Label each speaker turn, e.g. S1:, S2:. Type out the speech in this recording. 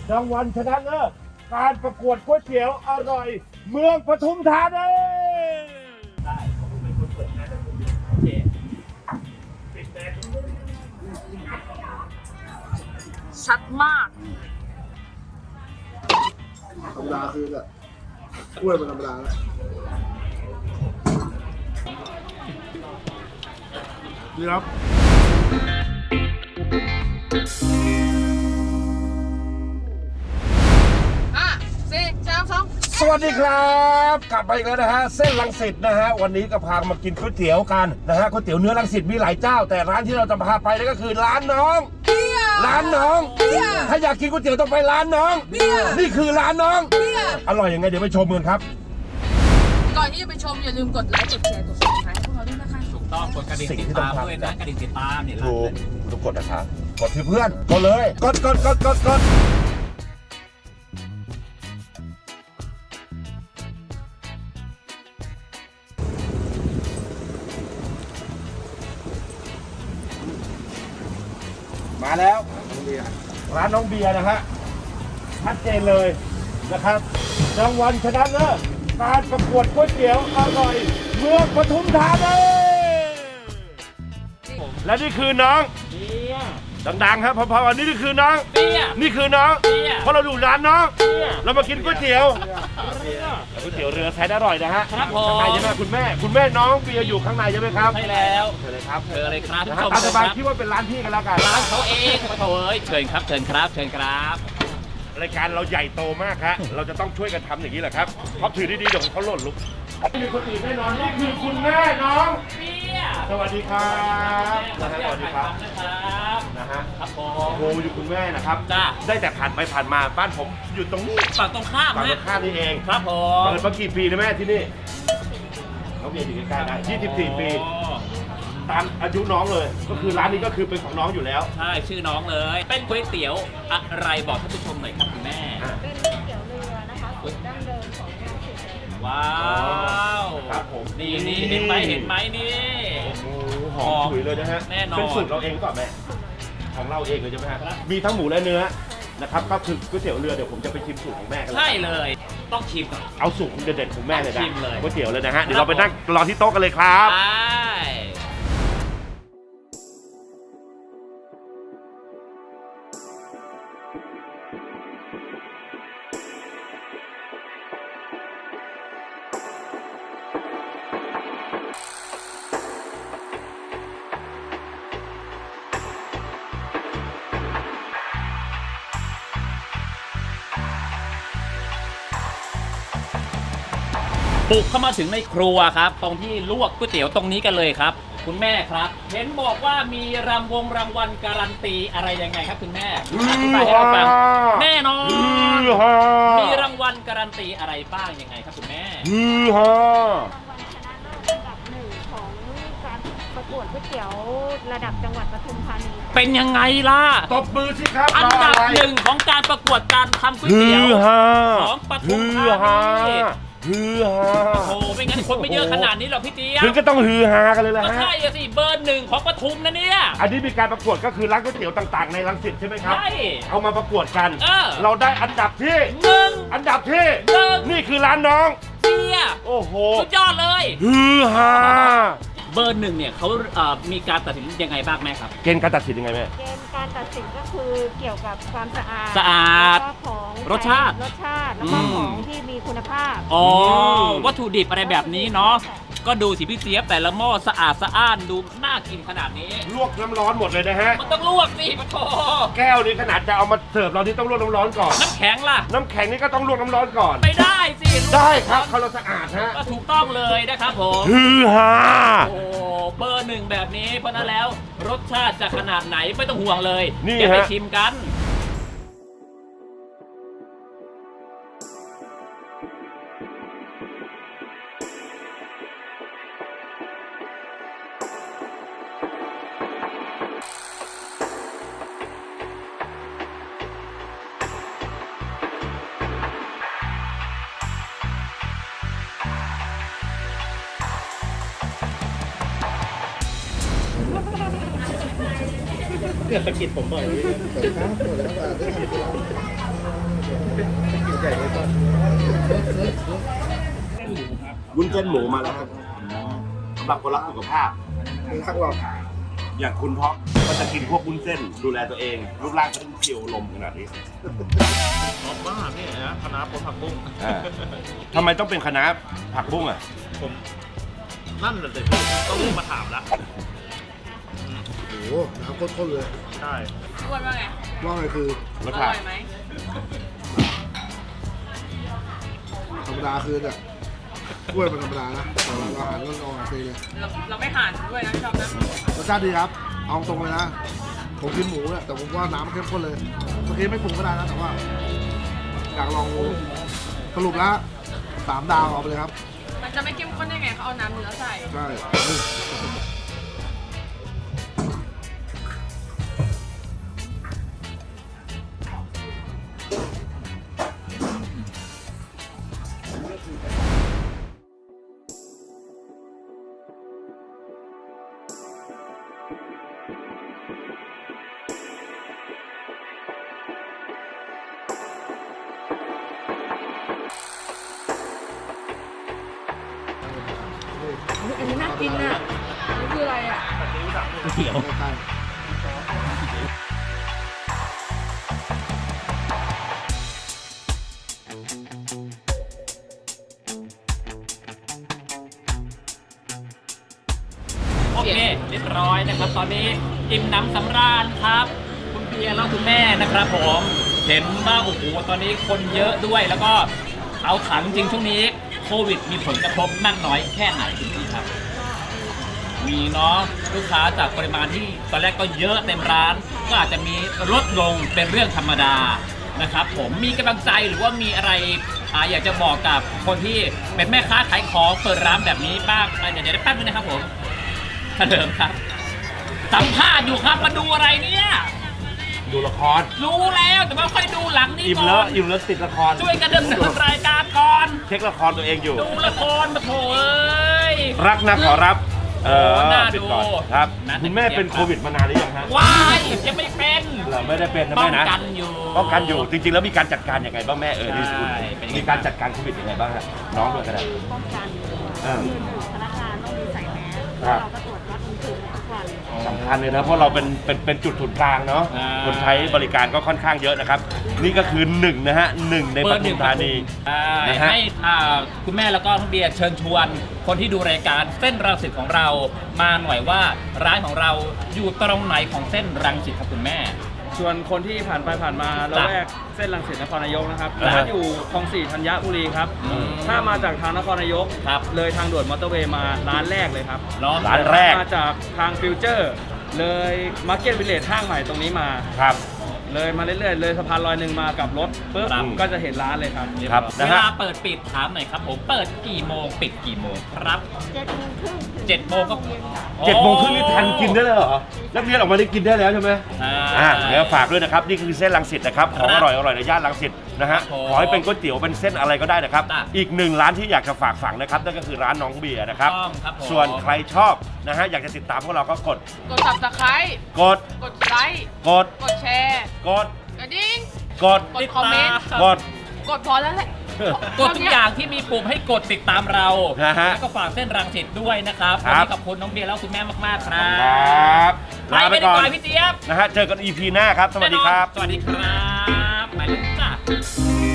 S1: รางวัลชนะเลิศการประกวดก๋วยเตี๋ยวอร่อยเมืองปทุมธานีได้ผมเป็นคนเปิดงานแต่คนเดียวโอเคปิดแบง
S2: ชัดมาก
S3: ธรรมดาคือแบบกล้วยมันธรรมดาแล้วนี่ครับ
S1: สวัสดีครับกลับมาอีกแล้วนะฮะเส้นรังสิตนะฮะวันนี้ก็พามากินก๋วยเตี๋ยวกันนะฮะก๋วยเตี๋ยวเนื้อรังสิตมีหลายเจ้าแต่ร้านที่เราจะพาไปนั่นก็คือร้านน้องร้านน้องถ้าอยากกินก๋วยเตี๋ยวต้องไปร้านน้องนี่คือร้านน้องอร่อยยังไงเดี๋ยวไปชมกันครับ
S2: ก่อนที่จะไปชมอย่าลืมกดไลค์กดแชร์กด subscribe ให้พวกเราด้วยนะคะ
S4: ถูกต้องกดกระดิ่งติดตามด้วยนะกระดิ่งติดตามเนี่ย
S1: ถูกต้องกดนะครับกดที่เพื่อนกดเลยกดมาแล้วร้านน้องเบียร์นะฮะชัดเจนเลยนะครับรางวัลชนะเลิศการประกวดก๋วยเตี๋ยวอร่อยเมืองปทุมธานีและนี่คือน้องดังๆครับพอๆวันนี้นี่คือน้องนี่คือน้องเพราะเราอยู่ร้านน้องเรามากินก๋วยเตี๋ยวก๋วยเตี๋ยวเรือแสนอร่อยนะฮะ
S4: ครับผม
S1: ข้างในใช่ไหมคุณแม่น้องเบียร์อยู่ข้างในใช่ไหมครับ
S4: ใช่แล้ว
S1: เชิญเลยครับ
S4: เชิญเลยครับทุก
S1: นะ
S4: ช
S1: ฮะ
S4: ม
S1: ตามสบาย
S4: ครับ
S1: คิดว่าเป็นร้านพี่กันแล้วกัน
S4: ร้านเขาเองโถ่เอ้ยเชิญครับเชิญครับ
S1: รายการเราใหญ่โตมากฮะเราจะต้องช่วยกันทำอย่างนี้แหละครับเพราะถือดีๆเดี๋ยวเขาหล่นลุกมีคนอื่นแน่นอนนี่คือคุณแม่น้อง
S4: เบียร์
S1: สวัสดีครับนะฮะสวัสดีครับ
S4: นะครับ
S1: นะฮะ
S4: ครับผ
S1: โอ้
S4: ม
S1: โหอยู่คุณแม่นะครับ
S4: จ้า
S1: ได้แต่ผ่านไปผ่านมาบ้านผมอยู่ตรงนี้
S4: ฝั่งตรงข้าม
S1: ฝั่งตร
S4: นะ
S1: งข้ามนี่เอง
S4: ครับผม
S1: เปิดมากี่ปีนะแม่ที่นี่เขาเบียร์อยู่ใกล้ๆนะ24 ปี ตามอายุน้องเลย ก็คือร้านนี้ก็คือเป็นของน้องอยู่แล้ว
S4: ใช่ชื่อน้องเลย เป็นก๋วยเตี๋ยวอะไรบอกท่านผู้ชมหน่อยครับคุณแม่
S5: เป็นก๋วยเตี๋ยวเรือนะคะสูตรดั้งเดิมของงานสืบ
S4: ว้าว
S1: ครับผม
S4: นี่เห็นไหมนี่
S1: โอ้โหหอมฉุยเลยนะฮะ
S4: แน่นอน
S1: เป็นสูตรเราเองก่อนแม่ของเราเองเลยใช่ไหมฮะมีทั้งหมูและเนื้อนะครับก็คือก๋วยเตี๋ยวเรือเดี๋ยวผมจะไปชิมสูตรของแม่กัน
S4: ใช่เลยต้องชิมก่อน
S1: เอาสูตรเด็ดๆของแม่เลยนะ
S4: ชิมเลย
S1: ก๋วยเตี๋ยวเลยนะฮะเดี๋ยวเราไปนั่งรอที่โต๊ะกันเลยครับ
S4: ใช่ บุกเข้ามาถึงในครัวครับ ตรงที่ลวกก๋วยเตี๋ยวตรงนี้กันเลยครับ คุณแม่ครับ เห็นบอกว่ามีรางวัลการันตีอะไรยังไงครับคุณแม่อธิบายให้เราฟังแน่นอนมีรางวัลการันตีอะไรบ้างยังไงครับคุณแม่
S1: ฮือฮาร
S5: างวัลชนะเลิศอันดับหนึ่งของการประกวดก๋วยเตี๋ยวระดับจังหวัดปทุมธานี
S4: เป็นยังไงล่ะ
S1: ตบมือสิครับ
S4: อันดับหนึ่งของการประกวดการทำก๋วยเตี๋ยวของปทุมธานี
S1: ฮือฮา
S4: โอ้โหไม่งั้นคนไม่เยอะขนาดนี้หรอกพี่เจี๊ยบ
S1: ถึงก็ต้องฮือฮากันเลยแหละ
S4: ก็
S1: ฮะ
S4: ใช่อะสิเบอร์หนึ่งของปทุมนะเนี่ย
S1: อันนี้มีการประกวดก็คือร้านก๋วยเตี๋ยวต่างๆในรังสิตใช่ไหมครับ
S4: ใช่
S1: เอามาประกวดกัน
S4: เรา
S1: ได้อันดับที่
S4: หนึ่ง
S1: อันดับที่
S4: หนึ่ง
S1: นี่คือร้านน้อง
S4: เบียร์
S1: โอ้โห
S4: สุดยอดเลย
S1: ฮือฮา
S4: เบอร์หนึ่งเนี่ยเขามีการตัดสินยังไงบ้างแม่ครับ
S1: เกณฑ์การตัดสินยังไงแม่
S5: เกณฑ์การตัดสินก็คือเกี่ยวกับความสะอาด
S4: สะอาด
S5: แล้วก็ของ
S4: รสชาติ
S5: แล้วก็ของที่มีคุณภาพ
S4: อ๋อวัตถุดิบอะไรแบบนี้เนาะก็ดูสิพี่เจี๊ยบแต่ละหม้อสะอาดสะอ้านดูน่ากินขนาดนี้
S1: ลวกน้ำร้อนหมดเลยนะฮะ
S4: มันต้องลวกสิปะโถ
S1: แก้วนี้ขนาดจะเอามาเสิร์ฟเรานี่ต้องลวกน้ำร้อนก่อน
S4: น้ำแข็งล่ะ
S1: น้ำแข็งนี่ก็ต้องลวกน้ำร้อนก่อน
S4: ไม่ได้สิ
S1: ได้ครับเขาเราสะอาดฮะ
S4: ก็ถูกต้องเลยนะครับผม
S1: ฮือฮา
S4: โอ้เบอร์หนึ่งแบบนี้เพราะนั้นแล้วรสชาติจะขนาดไหนไม่ต้องห่วงเลย
S1: นี่
S4: เดี๋ยวไป
S1: ฮะ
S4: ชิมกัน
S1: เนี่ยตะกิดผมบ่อย
S3: เปิดครับเปิดแล้วได้ทำ
S1: วุ้นเส้นหมูมาแล้วครับสำหรับคนรักสุขภาพ
S3: เป็นทักหรอก
S1: อย่างคุณท็อปก็จะกินพวกวุ้นเส้นดูแลตัวเองรูปร่างก็ต้องเขียวลมขนาดนี้
S6: ชอบมากนี่นะคณะผักบุ้ง
S1: ทำไมต้องเป็นคณะผักบุ้งอ่ะ
S6: ผมนั่นเลยต้องรีบมาถามละ
S3: โอ้โหน้ำข้นๆเลย
S6: ใช่
S2: อ้วนว่าไง
S3: ว่าไงคือ
S1: ร
S2: อ
S1: ส
S2: ร่
S1: ชา
S2: อ
S1: ติ
S2: ยไหม
S3: ธรรมดาคือเนี่ยกล้วยเป็นธรรมดานะแต่เราอาหารก็โอเคเลย
S2: เราไม่ห่านด้วยนะชอบนะ
S3: รสชาติดีครับ เอาตรงเลยนะผมกินหมูเนี่ยแต่ผมว่าน้ำเข้มข้นเลยเมื่อกี้ไม่ปรุงก็ได้นะแต่ว่าอยากลองสรุปแล้ว3 ดาวเอาไปเลยครับ
S2: มันจะไม่เข้มข้นได้ไงเขาเอาน้ำเนื้อใส่
S3: ใช่
S2: อันนี้น่ากินอ่ะนี่คืออะไรอ่ะ
S4: ก๋วยเตี๋ยว
S3: ใกล้
S4: โอเคเรียบร้อยนะครับ ตอนนี้อิ่มหนำสำราญครับ คุณเบียร์แล้วคุณแม่นะครับผมเห็นว่าโอ้โหตอนนี้คนเยอะด้วยแล้วก็เอาถามจริงๆช่วงนี้โควิดมีผลกระทบมากน้อยแค่ไหนคุณพี่ครับ มีเนาะลูกค้าจากปริมาณที่ตอนแรกก็เยอะเต็มร้าน ก็อาจจะมีลดลงเป็นเรื่องธรรมดานะครับผมมีกำลังใจหรือว่ามีอะไรอยากจะบอกกับคนที่เป็นแม่ค้าขายของเปิดร้านแบบนี้บ้างเดี๋ยวได้แป๊บนึงนะครับผมเฉลิมครับสัมภาษณ์อยู่ครับมาดูอะไรเนี่ย
S1: ดูละคร
S4: รู้แล้วแต่ว่าค่อยดูหลังนี้
S1: อิ่ม
S4: ก่
S1: แล้
S4: อ
S1: วน อิ่มแล้วติดละคร
S4: ช่วยกันดำเนินรายการก่อน
S1: เช็คละครตัวเองอยู่
S4: ดูละครมาโถเอ้ย
S1: รักนะขอรับ
S4: น่า
S1: ปิ
S4: ดู
S1: ก่อนครับ
S4: นะ
S1: คุณแม่เป็นโควิดมานานหรือยังฮะ
S4: ว้ายยังไม่เป็น
S1: เราไม่ได้เป็นนะ
S4: ป้อ
S1: แม่
S4: ง
S1: นะ
S4: กันอยู่
S1: ป้องกันอยู่จริงๆแล้วมีการจัดการยังไงบ้างแม่นี่
S4: ใช่เป็นยังไง
S1: มีการจัดการโควิดยังไงบ้างฮะน้องด้วยก็ได้
S5: ป้องกัน
S1: อ่า
S5: คือพนักงานต้องมีใส่แมส
S1: ครั
S5: แล้ว
S1: บ
S5: เราก็ตรวจวัดอุณหภูมิทุกวัน
S1: สำคัญเลยนะเพราะเราเป็นจุดศูนย์กลางเนาะ
S4: อ่า
S1: คนใช้บริการก็ค่อนข้างเยอะนะครับ นี่ก็คือหนึ่งนะฮะหนึ่งในปทุมธานี
S4: ใช่
S1: นะฮะ
S4: ให้คุณแม่แล้วก็น้องเบียร์เชิญชวน คนที่ดูรายการเส้นรังสิตของเรามาหน่อยว่าร้านของเราอยู่ตรงไหนของเส้นรังสิตครับคุณแม่
S7: ส่วนคนที่ผ่านไปผ่านมาละแวกเส้นรังสิตนครนายกนะครับ
S1: อ่าฮะ
S7: ร้านอยู่คลอง 4 ธัญบุรีครับ ถ้ามาจากทางนครนายก
S4: ครับ
S7: เลยทางด่วนมอเตอร์เวย์มาร้านแรกเลยครับ
S4: เนาะ
S1: ร้านแรก
S7: มาจากทางฟิวเจอร์เลยมาร์เก็ตวิลเลจห้างใหม่ตรงนี้มา
S1: ครับ
S7: เลยมาเรื่อยๆเลยสะพานลอยหนึ่งมากับรถปุ๊บ
S1: ครับ
S7: ก็จะเห็นร้านเลยครับ
S1: ครับ
S4: เว
S1: นะฮะ
S4: ลาเปิดปิดถามหน่อยครับผมเปิดกี่โมงปิดกี่โมงครับ
S5: 7 โมงครึ่งถึง
S4: 7 โมงก็
S5: เย็นค่ะ
S1: 7 โมงครึ่งนี่ทันกินได้เลยเหรอนักเรียนออกมาได้กินได้แล้วใช่ไหม
S4: อ่า
S1: เดี๋ยวฝากด้วยนะครับ นี่คือเส้นรังสิตนะครับของอร่อยในย่านรังสิตนะฮะ
S4: ครับผม
S1: ขอให้เป็นก๋วยเตี๋ยวเป็นเส้นอะไรก็ได้นะครับ
S4: จ้ะ
S1: อีกหนึ่งร้านที่อยากจะฝากฝังนะครับนั่นก็คือร้านน้องเบียร์นะครับ
S4: ถูกต้องครับผม
S1: ส่วนใครชอบนะฮะอยากจะติดตามพวกเราก็กด
S2: กด subscribe
S1: กด
S2: กดไลค์
S1: กด
S2: กดแชร์
S1: กด
S2: กระดิ่ง
S1: กด
S2: กดคอมเมนต์
S1: กด
S2: กดพอแล้วแหละ
S4: กดทุกอย่างที่มีปุ่มให้กดติดตามเรา
S1: นะฮะ
S4: แล้วก็ฝากเส้นรังสิตด้วยนะครับ
S1: ค
S4: วัน
S1: รับ
S4: นี้ขอบคุณน้องเบียร์แล้วคุณแม่มากๆครับ
S1: ครับ
S4: ไป
S1: ลาไป
S4: ไม่ได้
S1: ก่อน
S4: ก่อนพี่เจี๊ยบ
S1: นะฮะเจอกัน EP หน้าครับ สวัสดีครับ
S4: สวัสดีครับไปเลยจ้า